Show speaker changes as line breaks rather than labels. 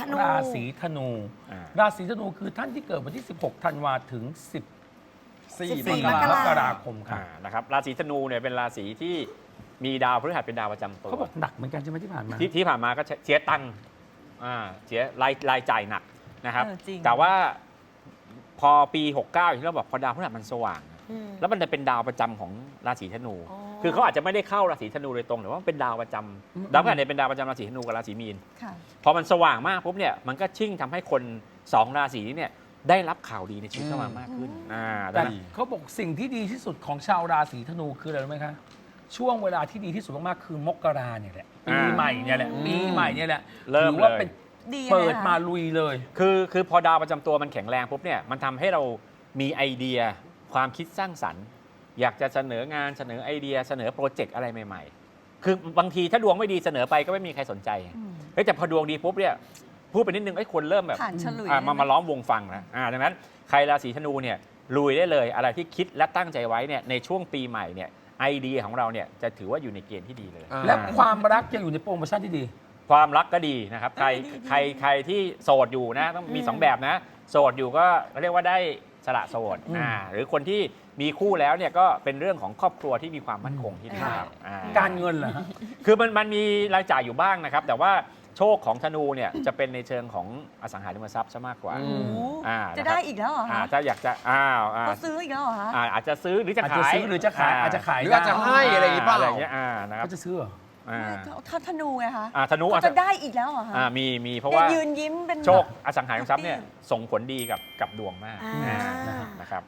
นู
ราศีธนูราศีธนูคือท่านที่เกิดวันที่ 16 ธันวาถึง 14 มกราคมค่ะ
นะครับราศีธนูเนี่ยเป็นราศีที่มีดาวพฤหัสเป็นดาวประจำตัว
เขาบอกหนักเหมือนกันใช่ไหมที่ผ่านมา
ที่ผ่านมาก็เสียตังค์เสียรายจ่ายหนักนะครับ
จริง
แต่ว่าพอปี 69 อย่างที่เราบอกพอดาวพฤหัสมันสว่าง แล้วมันจะเป็นดาวประจำของราศีธนู คือเขาอาจจะไม่ได้เข้าราศีธนูโดยตรงแต่ว่าเป็นดาวประจำดาวพฤหัสเนี่ยเป็นดาวประจำราศีธนูกับราศีมีน
ค่ะ
พอมันสว่างมากปุ๊บเนี่ยมันก็ชิ่งทำให้คน2ราศีนี้เนี่ยได้รับข่าวดีในชีวิตเข้ามามากขึ้นดั
แต่
งนั้น
เขาบอกสิ่งที่ดีที่สุดของชาวราศีธนูคืออะไรรู้ไหมคะ ช่วงเวลาที่ดีที่สุดมากๆคือมกราเนี่ยแหละปีใหม่เนี่ยแหละปีใหม่เนี่ยแหละ
เริ่ม
ถือว่าเป็น
ดี
เปิด
นะคะ
มาลุยเลย
คือพอดาวประจำตัวมันแข็งแรงปุ๊บเนี่ยมันทำให้เรามีไอเดียความคิดสร้างสรรค์ อยากจะเสนองานเสนอไอเดียเสนอโปรเจกต์อะไรใหม่ๆ คือบางทีถ้าดวงไม่ดีเสนอไปก็ไม่มีใครสนใจเฮ้ยแต่พอดวงดีปุ๊บเนี่ยพูดไปนิดนึงไอ้คนเริ่มแบบ
ผ่านฉลุย
มาล้อมวงฟังนะดังนั้นใครราศีธนูเนี่ยลุยได้เลยอะไรที่คิดและตั้งใจไว้เนี่ยในช่วงปีใหม่เนี่ยไอเดียของเราเนี่ยจะถือว่าอยู่ในเกณฑ์ที่ดีเลย
และความรักยังอยู่ในโปรโมชั่นที่ดี
ความรักก็ดีนะครับใครที่โสดอยู่นะต้องมี 2 แบบนะโสดอยู่ก็เรียกว่าได้สละโสดหรือคนที่มีคู่แล้วเนี่ยก็เป็นเรื่องของครอบครัวที่มีความมั่นคงที่ดีครับ
การเงินเหรอฮะ
คือมันมีรายจ่ายอยู่บ้างนะครับ แต่ว่าโชคของธนูเนี่ยจะเป็นในเชิงของอสังหาริมทรัพย์ซะมากกว่า
โอ้โห
น
จะ
ครับ
ได้อีกแล้วเหรอคะ
ถ้าอยากจะ
เขาซื้ออีกแล้วเหรอคะ
อาจจะซื้อหรือจะ
อาจ
ขา
จะ
ย
ซื้อหรือจะขายอาจจะขาย
หรืออาจจะให้อะไรอย่างงี้เปล่า
อะไรอย่างเงี้ยนะครับ
เขาจะซื้อเหรอ
ถ้าธนูไงคะ
ธนู
เขาจะได้อีกแล้วเหรอคะ
มีเพราะว่า
ยืนยิ้มเป็น
โชคอสังหาริมทรัพย์เนี่ยส่งผลดีกับดวงมาก
อ่า
นะครับ